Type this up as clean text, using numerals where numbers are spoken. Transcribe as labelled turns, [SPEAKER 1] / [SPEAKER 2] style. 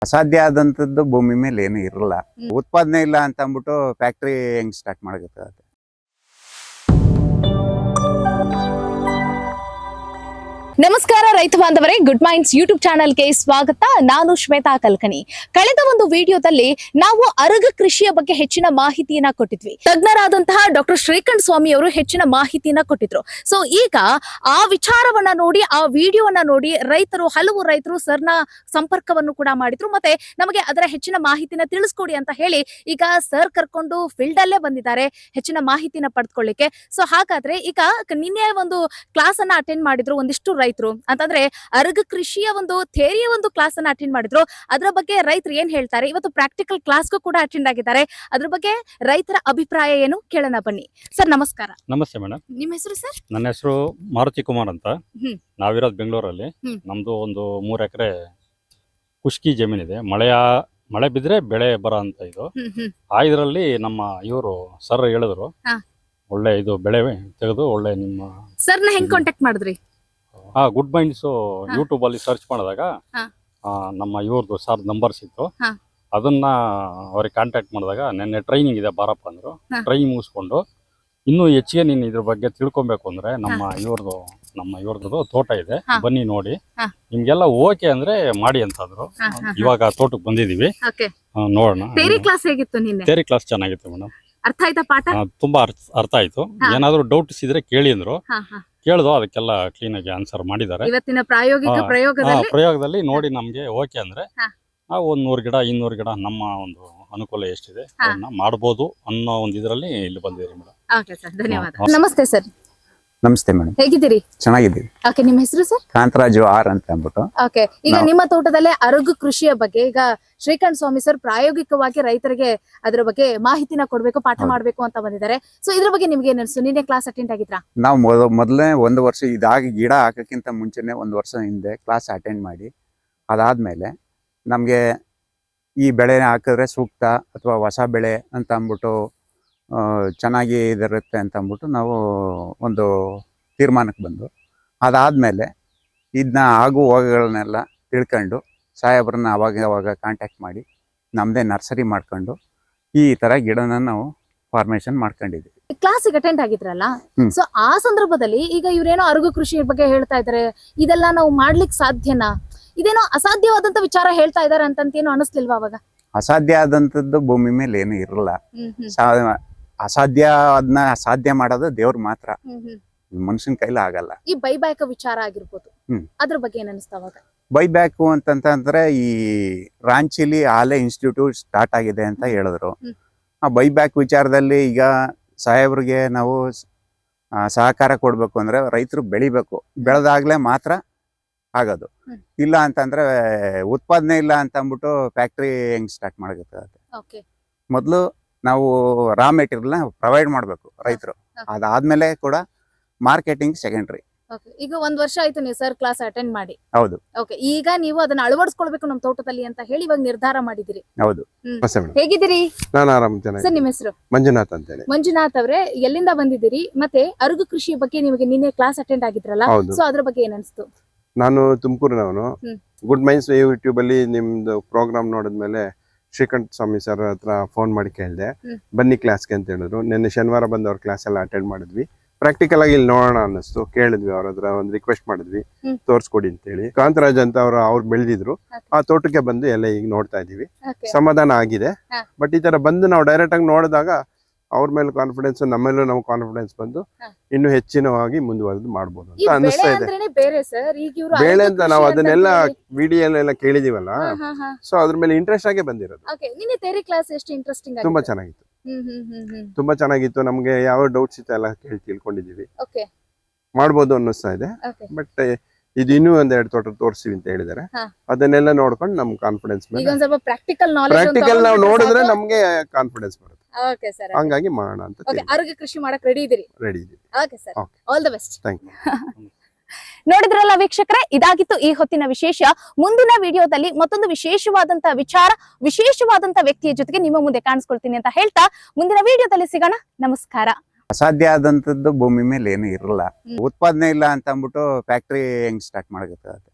[SPEAKER 1] ಅಸಾಧ್ಯ ಆದಂತದ್ದು ಭೂಮಿ ಮೇಲೆ ಏನು ಇರಲ್ಲ. ಉತ್ಪಾದನೆ ಇಲ್ಲ ಅಂತ ಅಂದ್ಬಿಟ್ಟು ಫ್ಯಾಕ್ಟ್ರಿ ಹೆಂಗ್ ಸ್ಟಾರ್ಟ್ ಮಾಡಬೇಕಾಗುತ್ತೆ?
[SPEAKER 2] ನಮಸ್ಕಾರ ರೈತ ಬಾಂಧವರೇ, ಗುಡ್ ಮೈಂಡ್ಸ್ ಯೂಟ್ಯೂಬ್ ಚಾನೆಲ್ಗೆ ಸ್ವಾಗತ. ನಾನು ಶ್ವೇತಾ ಕಲ್ಕನಿ. ಕಳೆದ ಒಂದು ವಿಡಿಯೋದಲ್ಲಿ ನಾವು ಅರಗ ಕೃಷಿಯ ಬಗ್ಗೆ ಹೆಚ್ಚಿನ ಮಾಹಿತಿಯನ್ನ ಕೊಟ್ಟಿದ್ವಿ. ತಜ್ಞರಾದಂತಹ ಡಾಕ್ಟರ್ ಶ್ರೀಕಂಠ ಸ್ವಾಮಿ ಅವರು ಹೆಚ್ಚಿನ ಮಾಹಿತಿಯನ್ನ ಕೊಟ್ಟಿದ್ರು. ಸೊ ಈಗ ಆ ವಿಚಾರವನ್ನ ನೋಡಿ, ಆ ವಿಡಿಯೋವನ್ನ ನೋಡಿ ಹಲವು ರೈತರು ಸರ್ನ ಸಂಪರ್ಕವನ್ನು ಕೂಡ ಮಾಡಿದ್ರು. ಮತ್ತೆ ನಮಗೆ ಅದರ ಹೆಚ್ಚಿನ ಮಾಹಿತಿನ ತಿಳಿಸ್ಕೊಡಿ ಅಂತ ಹೇಳಿ ಈಗ ಸರ್ ಕರ್ಕೊಂಡು ಫೀಲ್ಡ್ ಅಲ್ಲೇ ಬಂದಿದ್ದಾರೆ ಹೆಚ್ಚಿನ ಮಾಹಿತಿನ ಪಡೆದುಕೊಳ್ಳಿಕ್ಕೆ. ಸೊ ಹಾಗಾದ್ರೆ ಈಗ ನಿನ್ನೆ ಒಂದು ಕ್ಲಾಸ್ ಅನ್ನ ಅಟೆಂಡ್ ಮಾಡಿದ್ರು ಒಂದಿಷ್ಟು ರೈತರು. ಅಂತಂದ್ರೆ ಅರಗ ಕೃಷಿಯ ಒಂದು ಥಿಯರಿಯ ಒಂದು ಕ್ಲಾಸ್ ಅನ್ನ ಅಟೆಂಡ್ ಮಾಡಿದ್ರು. ಅದರ ಬಗ್ಗೆ ರೈತರು ಏನ್ ಹೇಳ್ತಾರೆ, ಇವತ್ತು ಪ್ರಾಕ್ಟಿಕಲ್ ಕ್ಲಾಸ್ಗೂ ಕೂಡ ಅಟೆಂಡ್ ಆಗಿದ್ದಾರೆ. ಅದ್ರ ಬಗ್ಗೆ ರೈತರ ಅಭಿಪ್ರಾಯ ಏನು ಕೇಳೋಣ ಬನ್ನಿ. ಸರ್ ನಮಸ್ಕಾರ.
[SPEAKER 3] ನಮಸ್ತೆ ಮೇಡಮ್.
[SPEAKER 2] ನಿಮ್ಮ ಹೆಸರು ಸರ್?
[SPEAKER 3] ನನ್ನ ಹೆಸರು ಮಾರುತಿ ಕುಮಾರ್ ಅಂತ. ನಾವಿರೋದು ಬೆಂಗಳೂರಲ್ಲಿ.
[SPEAKER 2] ಹ್ಮ್.
[SPEAKER 3] ನಮ್ದು ಒಂದು 3 ಎಕರೆ ಖುಷ್ಕಿ ಜಮೀನಿದೆ. ಮಳೆ ಬಿದ್ರೆ ಬೆಳೆ ಬರೋ ಅಂತ ಇದು. ಆ ಇದರಲ್ಲಿ ನಮ್ಮ ಇವರು ಸರ್ ಹೇಳಿದ್ರು,
[SPEAKER 2] ಹಾ.
[SPEAKER 3] ಒಳ್ಳೆ ಇದು ಬೆಳೆ ತೆಗೆದು ಒಳ್ಳೆ ನಿಮ್ಮ
[SPEAKER 2] ಸರ್ನ ಹೆಂಗ್ ಕಾಂಟ್ಯಾಕ್ಟ್ ಮಾಡಿದ್ರಿ?
[SPEAKER 3] ಗುಡ್ ಮೈಂಡ್ಸ್ ಯೂಟ್ಯೂಬ್ ಅಲ್ಲಿ ಸರ್ಚ್ ಮಾಡಿದಾಗ
[SPEAKER 2] ಹಾ.
[SPEAKER 3] ನಮ್ಮ ಇವ್ರದ್ದು ಸರ್ ನಂಬರ್ ಸಿಕ್ತು.
[SPEAKER 2] ಹಾ.
[SPEAKER 3] ಅದನ್ನ ಅವ್ರಿಗೆ ಕಾಂಟ್ಯಾಕ್ಟ್ ಮಾಡಿದಾಗ ನೆನ್ನೆ ಟ್ರೈನಿಂಗ್ ಇದೆ ಬಾರಪ್ಪ ಅಂದ್ರು.
[SPEAKER 2] ಹಾ.
[SPEAKER 3] ಟ್ರೈನಿಂಗ್ ಮುಗಿಸ್ಕೊಂಡು ಇನ್ನೂ ಹೆಚ್ಚಿಗೆ ನೀನು ಇದ್ರ ಬಗ್ಗೆ ತಿಳ್ಕೊಬೇಕು ಅಂದ್ರೆ ನಮ್ಮ ಇವ್ರದ್ದು ತೋಟ ಇದೆ,
[SPEAKER 2] ಹಾ.
[SPEAKER 3] ಬನ್ನಿ ನೋಡಿ,
[SPEAKER 2] ಹಾ.
[SPEAKER 3] ನಿಮ್ಗೆಲ್ಲ ಓಕೆ ಅಂದ್ರೆ ಮಾಡಿ ಅಂತಂದ್ರು. ಇವಾಗ ತೋಟಕ್ಕೆ ಬಂದಿದೀವಿ, ನೋಡೋಣ.
[SPEAKER 2] ಥಿಯರಿ ಕ್ಲಾಸ್ ಹೇಗಿತ್ತು ನಿನ್ನೆ?
[SPEAKER 3] ಥಿಯರಿ ಕ್ಲಾಸ್ ಚೆನ್ನಾಗಿತ್ತು ಮೇಡಮ್.
[SPEAKER 2] ಅರ್ಥ ಆಯ್ತಾ ಪಾಠ?
[SPEAKER 3] ತುಂಬಾ ಅರ್ಥ ಆಯ್ತು.
[SPEAKER 2] ಹಾ.
[SPEAKER 3] ಏನಾದ್ರು ಡೌಟ್ಸ್ ಇದ್ರೆ ಕೇಳಿ ಅಂದ್ರು.
[SPEAKER 2] ಹಾ, ಹಾ.
[SPEAKER 3] ಕೇಳ್ದು ಅದಕ್ಕೆಲ್ಲ ಕ್ಲೀನ್ ಆಗಿ ಆನ್ಸರ್ ಮಾಡಿದ್ದಾರೆ.
[SPEAKER 2] ಇವತ್ತಿನ ಪ್ರಾಯೋಗಿಕ
[SPEAKER 3] ಹಾ.
[SPEAKER 2] ಪ್ರಯೋಗದಲ್ಲಿ
[SPEAKER 3] ಪ್ರಯೋಗದಲ್ಲಿ ನೋಡಿ ನಮ್ಗೆ ಓಕೆ ಅಂದ್ರೆ
[SPEAKER 2] ಹಾ.
[SPEAKER 3] ನಾವು 100 ಗಿಡ 200 ಗಿಡ ನಮ್ಮ ಒಂದು ಅನುಕೂಲ ಎಷ್ಟಿದೆ
[SPEAKER 2] ಹಾ.
[SPEAKER 3] ಅದನ್ನ ಮಾಡ್ಬೋದು ಅನ್ನೋ ಒಂದು ಇದರಲ್ಲಿ ಇಲ್ಲಿ ಬಂದಿದ್ದೀರಿ ಮೇಡಮ್.
[SPEAKER 2] ಓಕೆ ಸರ್, ಧನ್ಯವಾದ. ನಮಸ್ತೆ ಸರ್,
[SPEAKER 1] ನಮಸ್ತೆ ಮೇಡಮ್,
[SPEAKER 2] ಹೇಗಿದ್ದೀರಿ?
[SPEAKER 1] ಚೆನ್ನಾಗಿದ್ದೀವಿ.
[SPEAKER 2] ಓಕೆ, ನಿಮ್ಮ ಹೆಸರು ಸರ್?
[SPEAKER 1] ಕಾಂತರಾಜು ಆರ್ ಅಂತ ಅಂದ್ಬಿಟ್ಟು.
[SPEAKER 2] ಓಕೆ, ಈಗ ನಿಮ್ಮ ತೋಟದಲ್ಲೇ ಅರಗು ಕೃಷಿಯ ಬಗ್ಗೆ ಈಗ ಶ್ರೀಕಂಠ ಸ್ವಾಮಿ ಸರ್ ಪ್ರಾಯೋಗಿಕವಾಗಿ ರೈತರಿಗೆ ಅದರ ಬಗ್ಗೆ ಮಾಹಿತಿನ ಕೊಡ್ಬೇಕು, ಪಾಠ ಮಾಡ್ಬೇಕು ಅಂತ ಬಂದಿದ್ದಾರೆ. ಸೊ ಇದ್ರ ಬಗ್ಗೆ ನಿಮ್ಗೆ ಏನ್ ಅನ್ಸು? ನಿನ್ನೆ ಕ್ಲಾಸ್ ಅಟೆಂಡ್ ಆಗಿದ್ರಾ?
[SPEAKER 1] ನಾವು ಮೊದಲನೇ 1 ವರ್ಷ ಇದಾಗಿ ಗಿಡ ಹಾಕಕ್ಕಿಂತ ಮುಂಚೆನೆ 1 ವರ್ಷ ಹಿಂದೆ ಕ್ಲಾಸ್ ಅಟೆಂಡ್ ಮಾಡಿ, ಅದಾದ್ಮೇಲೆ ನಮಗೆ ಈ ಬೆಳೆ ಹಾಕಿದ್ರೆ ಸೂಕ್ತ ಅಥವಾ ಹೊಸ ಬೆಳೆ ಅಂತ ಅಂದ್ಬಿಟ್ಟು ಚೆನ್ನಾಗಿ ಇದಿರುತ್ತೆ ಅಂತ ಅಂದ್ಬಿಟ್ಟು ನಾವು ಒಂದು ತೀರ್ಮಾನಕ್ಕೆ ಬಂದು, ಅದಾದಮೇಲೆ ಇದನ್ನ ಆಗು ಹೋಗುಗಳನ್ನೆಲ್ಲ ತಿಳ್ಕೊಂಡು ಸಾಹೇಬ್ರನ್ನ ಅವಾಗ ಕಾಂಟ್ಯಾಕ್ಟ್ ಮಾಡಿ ನಮ್ಮದೇ ನರ್ಸರಿ ಮಾಡ್ಕೊಂಡು ಈ ಥರ ಗಿಡನ ನಾವು ಫಾರ್ಮೇಷನ್ ಮಾಡ್ಕೊಂಡಿದ್ದೀವಿ.
[SPEAKER 2] ಕ್ಲಾಸಿಗೆ ಅಟೆಂಡ್ ಆಗಿದ್ರಲ್ಲ,
[SPEAKER 1] ಹ್ಮ್.
[SPEAKER 2] ಸೊ ಆ ಸಂದರ್ಭದಲ್ಲಿ ಈಗ ಇವ್ರೇನೋ ಅರಗು ಕೃಷಿ ಬಗ್ಗೆ ಹೇಳ್ತಾ ಇದಾರೆ, ಇದೆಲ್ಲ ನಾವು ಮಾಡ್ಲಿಕ್ಕೆ ಸಾಧ್ಯನಾ? ಇದೇನೋ ಅಸಾಧ್ಯವಾದಂತ ವಿಚಾರ ಹೇಳ್ತಾ ಇದಾರೆ ಅಂತೇನೋ ಅನಿಸ್ಲಿಲ್ವಾ ಅವಾಗ?
[SPEAKER 1] ಅಸಾಧ್ಯ ಆದಂಥದ್ದು ಭೂಮಿ ಮೇಲೆ ಏನು ಇರಲ್ಲ. ಅಸಾಧ್ಯ ಅದನ್ನ ಸಾಧ್ಯ ಮಾಡೋದು ದೇವ್ರು ಮಾತ್ರ, ಮನುಷ್ಯನ ಕೈಲಿ ಆಗಲ್ಲ.
[SPEAKER 2] ಈ ಬೈಬ್ಯಾಕ್ ವಿಚಾರ ಆಗಿರ್ಬೋದು,
[SPEAKER 1] ಹ್ಮ್.
[SPEAKER 2] ಅದ್ರ ಬಗ್ಗೆ ಏನ್ ಅನಿಸ್ತಾ ಅವಾಗ?
[SPEAKER 1] ಬೈಬ್ಯಾಕು ಅಂತಂತಂದ್ರೆ ಈ ರಾಂಚಿಲಿ ಆಲೆ ಇನ್ಸ್ಟಿಟ್ಯೂಟ್ ಸ್ಟಾರ್ಟ್ ಆಗಿದೆ ಅಂತ ಹೇಳಿದ್ರು.
[SPEAKER 2] ಹ್ಮ್.
[SPEAKER 1] ಆ ಬೈಬ್ಯಾಕ್ ವಿಚಾರದಲ್ಲಿ ಈಗ ಸಾಹೇಬ್ರಿಗೆ ನಾವು ಸಹಕಾರ ಕೊಡ್ಬೇಕು ಅಂದ್ರೆ ರೈತರು ಬೆಳಿಬೇಕು, ಬೆಳೆದಾಗ್ಲೇ ಮಾತ್ರ ಆಗೋದು.
[SPEAKER 2] ಹ್ಮ್.
[SPEAKER 1] ಇಲ್ಲ ಅಂತಂದ್ರೆ ಉತ್ಪಾದನೆ ಇಲ್ಲ ಅಂತ ಅಂದ್ಬಿಟ್ಟು ಫ್ಯಾಕ್ಟ್ರಿ ಹೆಂಗ್ ಸ್ಟಾರ್ಟ್ ಮಾಡಬೇಕಾಗುತ್ತೆ?
[SPEAKER 2] ಓಕೆ,
[SPEAKER 1] ಮೊದಲು ನಾವು ರಾ ಮೆಟೀರಿಯಲ್ನ ಪ್ರೊವೈಡ್ ಮಾಡಬೇಕು ರೈತರು, ಅದಾದ್ಮೇಲೆ ಕೂಡ ಮಾರ್ಕೆಟಿಂಗ್ ಸೆಕೆಂಡ್ರಿ.
[SPEAKER 2] ಓಕೆ. ಈಗ 1 ವರ್ಷ ಆಯ್ತು ನೀವು ಸರ್ ಕ್ಲಾಸ್ ಅಟೆಂಡ್ ಮಾಡಿ.
[SPEAKER 1] ಹೌದು.
[SPEAKER 2] ಓಕೆ, ಈಗ ನೀವು ಅದನ್ನ ಅಳವಡಿಸ್ಕೊಳ್ಬೇಕು ನಮ್ಮ ತೋಟದಲ್ಲಿ ಅಂತ ಹೇಳಿ ಇವಾಗ ನಿರ್ಧಾರ ಮಾಡಿದಿರಿ.
[SPEAKER 1] ಹೌದು.
[SPEAKER 2] ಹೇಗಿದ್ದೀರಿ?
[SPEAKER 4] ನಾನು ಆರಾಮ್
[SPEAKER 2] ಸರ್, ನಿಮ್ಮ ಹೆಸರು?
[SPEAKER 4] ಮಂಜುನಾಥ್ ಅಂತ ಹೇಳಿ.
[SPEAKER 2] ಮಂಜುನಾಥ್ ಅವರೇ, ಎಲ್ಲಿಂದ ಬಂದಿದ್ದೀರಿ? ಮತ್ತೆ ಅರಗು ಕೃಷಿ ಬಗ್ಗೆ ನಿಮಗೆ ನಿನ್ನೆ ಕ್ಲಾಸ್ ಅಟೆಂಡ್ ಆಗಿದ್ರಲ್ಲ,
[SPEAKER 4] ಹೌದು.
[SPEAKER 2] ಸೊ ಅದ್ರ ಬಗ್ಗೆ ಏನ್ ಅನ್ಸ್ತು?
[SPEAKER 4] ನಾನು ತುಮಕೂರಿನವನು.
[SPEAKER 2] ಹ್ಮ್.
[SPEAKER 4] ಗುಡ್ ಮೈಂಡ್ಸ್ ಯೂಟ್ಯೂಬ್ ಅಲ್ಲಿ ನಿಮ್ದು ಪ್ರೋಗ್ರಾಮ್ ನೋಡಿದ್ಮೇಲೆ ಶ್ರೀಕಂಠ ಸ್ವಾಮಿ ಸರ್ ಹತ್ರ ಫೋನ್ ಮಾಡಿ ಕೇಳಿದೆ,
[SPEAKER 2] ಹ್ಮ್.
[SPEAKER 4] ಬನ್ನಿ ಕ್ಲಾಸ್ಗೆ ಅಂತ ಹೇಳಿದ್ರು. ನಿನ್ನೆ ಶನಿವಾರ ಬಂದು ಅವ್ರ ಕ್ಲಾಸ್ ಎಲ್ಲ ಅಟೆಂಡ್ ಮಾಡಿದ್ವಿ. ಪ್ರಾಕ್ಟಿಕಲ್ ಆಗಿ ಇಲ್ಲಿ ನೋಡೋಣ ಅನ್ನಿಸ್ತು, ಕೇಳಿದ್ವಿ ಅವ್ರ ಹತ್ರ, ಒಂದು ರಿಕ್ವೆಸ್ಟ್ ಮಾಡಿದ್ವಿ,
[SPEAKER 2] ಹ್ಮ್.
[SPEAKER 4] ತೋರ್ಸ್ಕೊಡಿ ಅಂತ ಹೇಳಿ. ಕಾಂತರಾಜ್ ಅಂತ ಅವ್ರು ಬೆಳೆದಿದ್ರು, ಆ ತೋಟಕ್ಕೆ ಬಂದು ಎಲ್ಲ ಈಗ ನೋಡ್ತಾ ಇದೀವಿ.
[SPEAKER 2] Okay.
[SPEAKER 4] ಸಮಾಧಾನ ಆಗಿದೆ.
[SPEAKER 2] ಹಾ.
[SPEAKER 4] ಬಟ್ ಈ ತರ ಬಂದು ನಾವು ಡೈರೆಕ್ಟ್ ಆಗಿ ನೋಡಿದಾಗ ಅವ್ರ ಮೇಲೆ ಕಾನ್ಫಿಡೆನ್ಸ್, ನಮ್ಮೇಲೂ ನಮ್ಗೆ ಕಾನ್ಫಿಡೆನ್ಸ್ ಬಂದು
[SPEAKER 2] ಹಾ.
[SPEAKER 4] ಇನ್ನು ಹೆಚ್ಚಿನವಾಗಿ ಮುಂದುವರೆದು ಮಾಡ್ಬೋದು
[SPEAKER 2] ಈ
[SPEAKER 4] ಅಂತ
[SPEAKER 2] ಬೆಳೆ
[SPEAKER 4] ಅನಿಸ್ತಾ ಇದೆ.
[SPEAKER 2] ಅಂದ್ರೇನೆ ಬೇರೆ ಸರ್. ಈಗ ಇವ್ರು
[SPEAKER 4] ಬೇಳೆ
[SPEAKER 2] ಅರಗು
[SPEAKER 4] ಅಂತ
[SPEAKER 2] ಕೃಷಿ
[SPEAKER 4] ನಾವು
[SPEAKER 2] ಅಂತ
[SPEAKER 4] ಅದನ್ನೆಲ್ಲ
[SPEAKER 2] ಹೇಳಿ-
[SPEAKER 4] ವಿಡಿಯೋಲೆಲ್ಲ ಕೇಳಿದೀವಲ್ಲ,
[SPEAKER 2] ಹಾ, ಹಾ, ಹಾ.
[SPEAKER 4] ಸೊ ಅದ್ರ ಮೇಲೆ ಇಂಟ್ರೆಸ್ಟ್ ಆಗೇ ಬಂದಿರೋದು.
[SPEAKER 2] ಓಕೆ, ನಿನ್ನೆ ಥಿಯರಿ ಕ್ಲಾಸ್ ಎಷ್ಟು ಇಂಟ್ರೆಸ್ಟಿಂಗ್
[SPEAKER 4] ತುಂಬಾ
[SPEAKER 2] ಆಗಿತ್ತು?
[SPEAKER 4] ಚೆನ್ನಾಗಿತ್ತು,
[SPEAKER 2] ಹ್ಮ್.
[SPEAKER 4] ತುಂಬಾ ಚೆನ್ನಾಗಿತ್ತು. ನಮ್ಗೆ ಯಾವ ಡೌಟ್ಸ್ ಇತ್ತು ಎಲ್ಲ ಕೇಳಿ ತಿಳ್ಕೊಂಡಿದೀವಿ,
[SPEAKER 2] ಓಕೆ,
[SPEAKER 4] ಮಾಡ್ಬೋದು ಅನ್ನಿಸ್ತಾ ಇದೆ.
[SPEAKER 2] ಓಕೆ.
[SPEAKER 4] ಬಟ್ ಇದು ಇನ್ನೂ 1-2 ತೋಟ ತೋರಿಸ್ತೀವಿ ಅಂತ ಹೇಳಿದಾರೆ.
[SPEAKER 2] ಹಾ.
[SPEAKER 4] ಅದನ್ನೆಲ್ಲ ನೋಡ್ಕೊಂಡು ನಮ್ ಕಾನ್ಫಿಡೆನ್ಸ್
[SPEAKER 2] ಈಗ
[SPEAKER 4] ಮೇಲೆ
[SPEAKER 2] ಒಂದ್ ಸ್ವಲ್ಪ ಪ್ರಾಕ್ಟಿಕಲ್ ನಾಲೆಜ್
[SPEAKER 4] ಪ್ರಾಕ್ಟಿಕಲ್ ನಾವು ನೋಡಿದ್ರೆ ನಮ್ಗೆ ಕಾನ್ಫಿಡೆನ್ಸ್ ಬರುತ್ತೆ.
[SPEAKER 2] Okay sir.
[SPEAKER 4] ಹಂಗಾಗಿ ಮಾಡೋಣ ಅಂತ
[SPEAKER 2] ಓಕೆ, ಅರಗು ಕೃಷಿ ಮಾಡಕ್ ರೆಡಿ ಇದೀರಿ?
[SPEAKER 4] ರೆಡಿ ಇದೀವಿ.
[SPEAKER 2] Okay sir,
[SPEAKER 4] Okay.
[SPEAKER 2] All the best.
[SPEAKER 4] Thank you.
[SPEAKER 2] ನೋಡಿದ್ರಲ್ಲ ವೀಕ್ಷಕರೇ, ಇದಾಗಿತ್ತು ಈ ಹೊತ್ತಿನ ವಿಶೇಷ. ಮುಂದಿನ ವಿಡಿಯೋದಲ್ಲಿ ಮತ್ತೊಂದು ವಿಶೇಷವಾದಂತ ವಿಚಾರ, ವಿಶೇಷವಾದಂತ ವ್ಯಕ್ತಿಯ ಜೊತೆಗೆ ನಿಮ್ಮ ಮುಂದೆ ಕಾಣಿಸ್ಕೊಳ್ತೀನಿ ಅಂತ ಹೇಳ್ತಾ ಮುಂದಿನ ವಿಡಿಯೋದಲ್ಲಿ ಸಿಗೋಣ. ನಮಸ್ಕಾರ.
[SPEAKER 1] ಅಸಾಧ್ಯ ಆದಂತದ್ದು ಭೂಮಿ ಮೇಲೆ ಏನು ಇರಲ್ಲ. ಉತ್ಪಾದನೆ ಇಲ್ಲ ಅಂತ ಅಂದ್ಬಿಟ್ಟು ಫ್ಯಾಕ್ಟ್ರಿ ಹೆಂಗ್ ಸ್ಟಾರ್ಟ್ ಮಾಡಬೇಕಾಗುತ್ತೆ?